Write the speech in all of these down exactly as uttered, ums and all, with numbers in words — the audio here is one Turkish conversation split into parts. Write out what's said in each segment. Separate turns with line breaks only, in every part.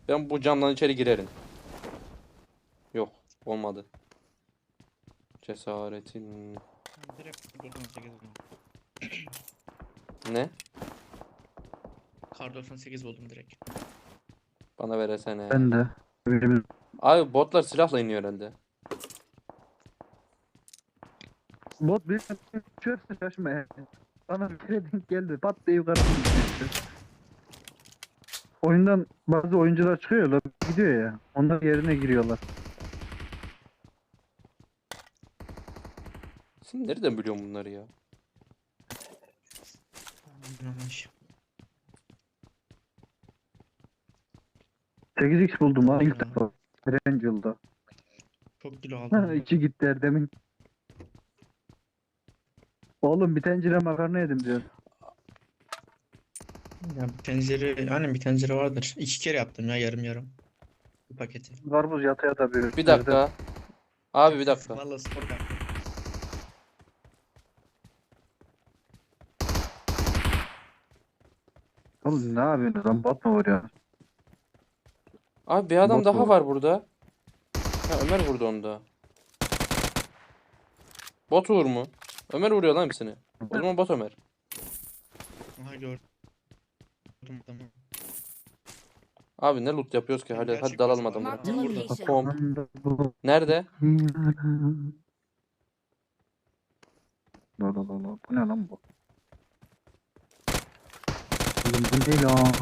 Ben bu camdan içeri girerim. Yok, olmadı. Cesaretin
Direkt doksan sekiz buldum.
ne?
Kar doksan sekiz buldum direkt.
Bana veresene.
Ben de. Birimiz
Abi botlar silahla iniyor herhalde.
bot bir çöpse şaşma yani. Bana bir kere denk geldi. Pat diye yukarı düştü. Oyundan bazı oyuncular çıkıyorlar. Gidiyor ya. Onlar yerine giriyorlar.
Sen nereden biliyorsun bunları ya?
Yanlış.
sekiz x buldum lan ilk
Ya.
defa. Erangel'da.
Çok kilo aldım.
İki gitti Erdem'in. Oğlum bir tencere makarna yedim diyor.
Ya bir tencere, aynen bir tencere vardır. İki kere yaptım ya yarım yarım. Bir paketi.
Karpuz yata yata bir.
Bir dakika. Abi bir dakika.
Vallahi spor yaptım.
Oğlum ne yapıyorsunuz lan? Bot mu vuruyor?
Abi bir adam
Bot
daha
bu.
var burada. Ha, Ömer vurdu onu da. Bot vur mu? Ömer vuruyor lan hepsini. O zaman bot Ömer.
Aha gördüm adamı.
Abi ne loot yapıyoruz ki?
Ben
Hadi
gerçek
hadi dalalım
mesela
adamlara.
Marked
Ha,
location.
Pomp. Nerede?
La la la la. Bu ne lan bu? Oğlum bu ne lan?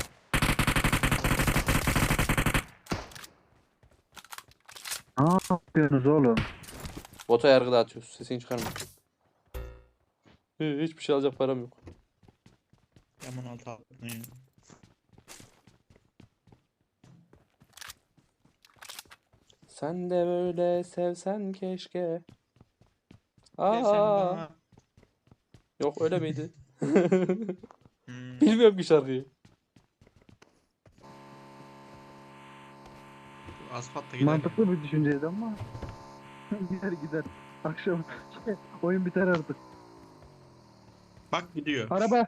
Ne yapıyorsunuz oğlum?
Bota yargı dağıtıyoruz. Sesini çıkarma. Hı, Hiçbir şey alacak param yok.
Yaman altı aldım ya.
Sen de böyle sevsen keşke.
Gel sen
Aa,
bana.
yok öyle miydi?
Hmm.
Bilmiyorum ki şarkıyı.
Asfaltta gider.
Mantıklı bir düşünceydi ama gider gider. Akşam şey, oyun biter artık.
Bak gidiyor.
Araba.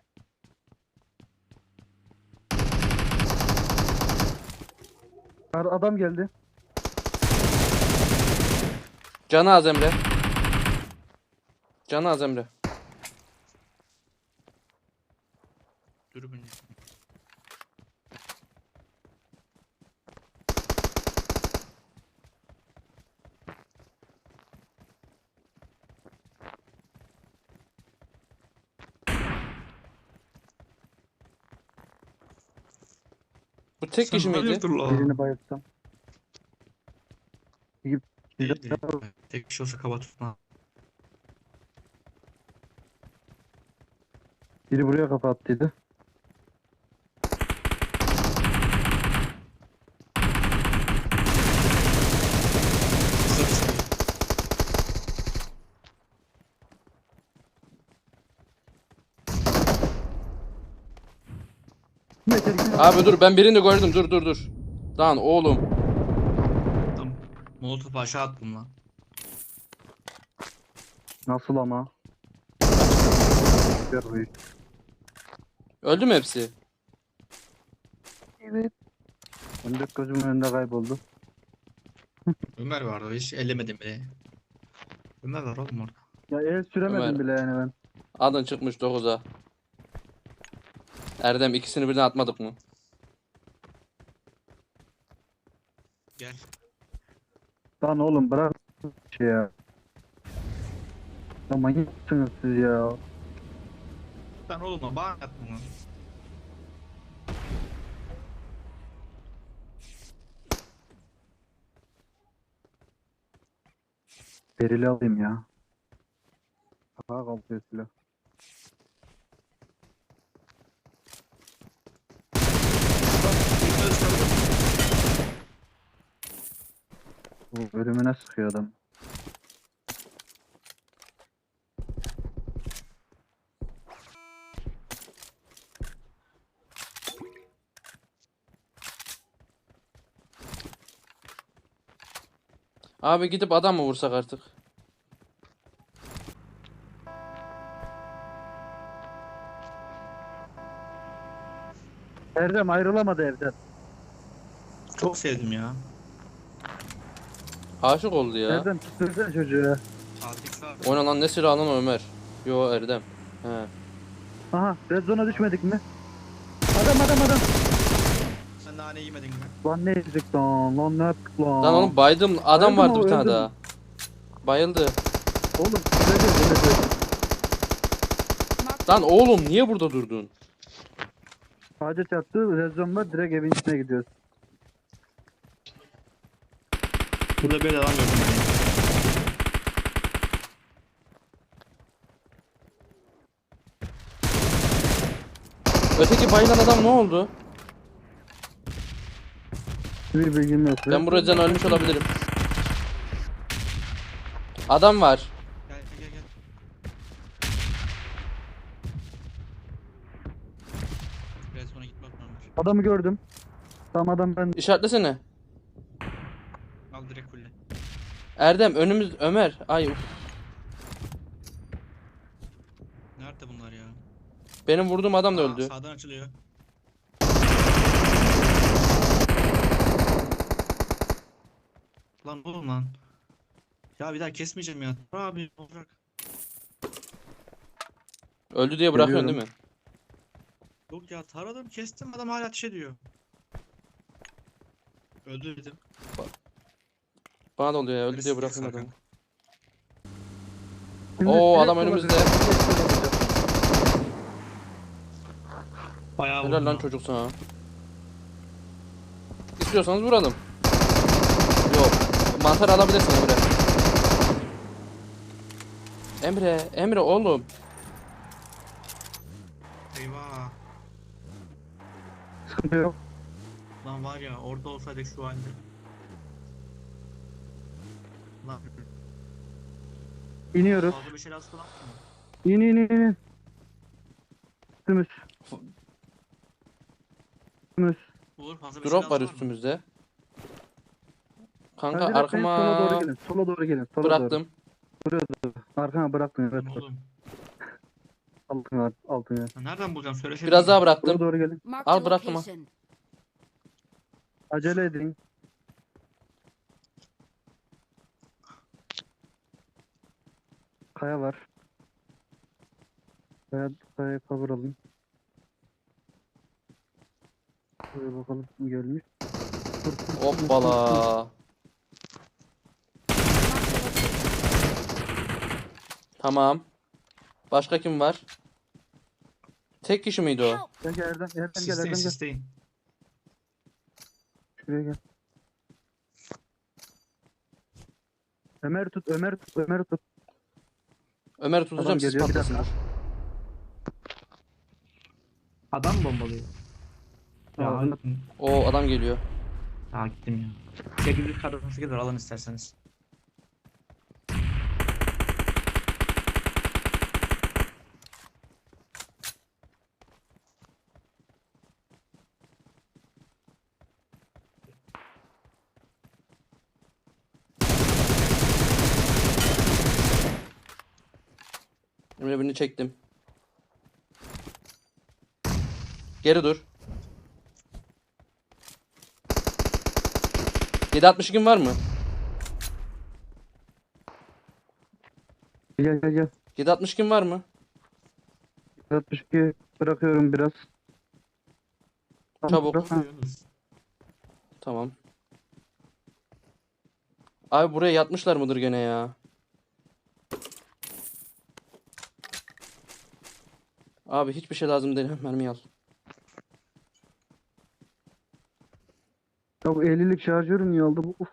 Ar- Adam geldi.
Canı az Emre. Canı az Emre.
Dürbün.
Bu tek kişi miydi?
hayırdır la?
Birini bayıltsam.
Değildir ya. Tek kişi olsa kaba tutma.
Biri buraya kapattıydı. Yeter ki-
Abi dur ben birini gördüm. Dur dur dur. Lan oğlum.
Tam Molotov aşağı attım lan.
Nasıl ama? Gör bu iş.
Öldü mü hepsi?
Evet. Ben de gözümün önünde kayboldu.
Ömer vardı hiç ellemedim bile. Ömer var oğlum orada.
Ya el süremedim
Ömer.
bile yani ben.
Adın çıkmış dokuza. Erdem ikisini birden atmadık mı?
Gel.
Lan oğlum bırak şey ya. Ya manyaksınız siz ya.
Sen oğlum bana attın lan.
Berili alayım ya. Aha kalkıyor silah. Bu ölümüne sıkıyor adam.
Abi gidip adam mı vursak artık?
Erdem ayrılamadı evden.
Çok sevdim ya.
Aşık oldu ya.
Nereden tutuyorsun çocuğu ya?
altı x var.
Oyna lan, ne silahı lan o Ömer? Yo Erdem. He.
Aha red zone'a düşmedik mi? Adam adam adam.
Sen nane yemedin mi?
Lan ne yedik lan? Lan ne yaptık lan?
Lan oğlum baydım. Adam
Bayıldı
vardı
mı,
bir tane
öldü mü?
daha. Bayıldı.
Oğlum ne diyorsun ne diyorsun?
Lan oğlum niye burada durdun?
Ağaca çarptı red zone var direkt evin içine gidiyoruz.
Burada böyle adam gördüm ben.
Öteki bayılan adam ne oldu?
Bir bilgim yok.
Ben bu yüzden ölmüş olabilirim. Adam var.
Gel gel gel. gel. Biraz sonra gitmek varmış.
Adamı gördüm. Tam adam ben.
İşaretlesene.
Al direkt kulle.
Erdem önümüz Ömer. Ay uf.
Nerede bunlar ya?
Benim vurduğum adam da
Aa,
öldü.
Sağdan açılıyor. Lan oğlum lan. Ya bir daha kesmeyeceğim ya. Abi bırak.
Öldü diye bırakıyorsun
Geliyorum.
değil mi?
Yok ya taradım kestim adam hala ateş ediyor. Öldü dedim.
Bana da oluyor ya, öldü
Hadi
diye
siz
bırakıyorum
sakın.
adamı.
Şimdi
Oo,
direkt
adam
sola
önümüzde.
döneceğim. Direkt sola döneceğim.
Bayağı
Helal
vurdum
lan
ha.
çocuk sana. İstiyorsanız vuralım. Yok. Mantar alabilirsin Emre. Emre, Emre oğlum.
Eyvah.
Sıkıntı yok.
Lan var ya orada olsaydık şu halde. Lan
İniyoruz.
fazla bir şey lazım lan.
İn in in in. Üstümüz. Üstümüz.
Uğur fazla bir şey
Drop
lazım
var
mı?
üstümüzde. Kanka
Hadi direkt benim sola doğru
arkama
gelin. Sola doğru gelin. Sola doğru.
bıraktım.
Arkana bıraktın evet.
Lan oğlum.
Altın var. Altın ya.
Ya nereden bulacağım söylesene.
Biraz daha
Sola
bıraktım.
doğru gelin.
Marked
Al,
a
bıraktım ha.
location.
Acele edin. Kaya var. Kaya, kaya kavuralım. Şuraya bakalım kim gelmiş. Dur, dur, dur, dur, dur.
Hoppala. Tamam. Başka kim var? Tek kişi miydi o?
Help!
Gel gel Erdem, Erdem gel
Sisteyin
Erdem gel.
sisteyin.
Şuraya gel. Ömer tut, Ömer tut, Ömer tut.
Ömer
Adam
tutacağım, siz
geliyor bir dakika.
patlasınlar.
Adam bombalıyor. Ya,
Ağzına-
O adam geliyor.
ya gittim ya. sekiz kadar sekiz var alın isterseniz.
Emre birini çektim. Geri dur. yedi altmış iki var mı?
Gel gel gel.
yedi altmış iki var mı?
altmış iki bırakıyorum biraz.
Çabuk.
Bırak, ha.
Tamam. Abi buraya yatmışlar mıdır gene ya? Abi hiçbir şey lazım değil. Mermi al.
Ya bu ellilik şarjörü niye aldı bu? Uf.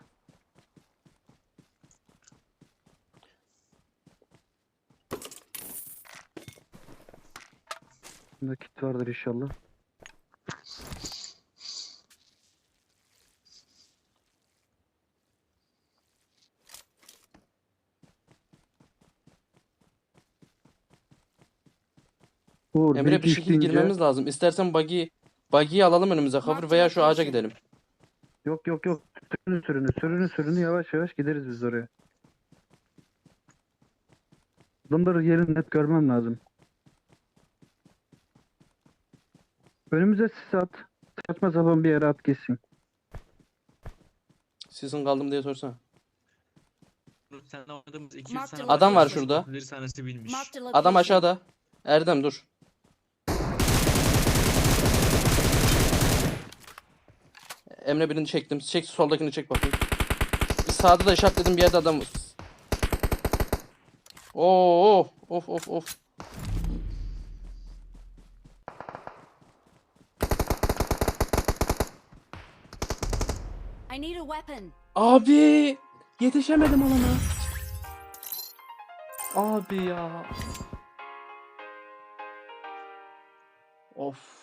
Bunda kit vardır inşallah. Uğur,
Emre bir
bilgi
şekilde
isteyince-
girmemiz lazım. İstersen buggy buggy'yi alalım önümüze, cover veya şu ağaca gidelim.
Yok yok yok. Sürünü sürünü sürünü sürünü yavaş yavaş gideriz biz oraya. Adamları yerini net görmem lazım. Önümüze sis at. Saçma sapan bir yere at gitsin.
Sesin kaldım diye sorsana.
Seninle oynadığımız iki üç
Marked
tane
a
Adam var
location.
şurada.
Bir tanesi bilmiş.
Marked a
Adam
location.
aşağıda. Erdem dur. Emre birini çektim. Çek soldakini çek bakayım. Sağda da işaretledim bir yerde adam. Oo, of of of.
I need a weapon.
Abi yetişemedim alana. Abi ya. Of.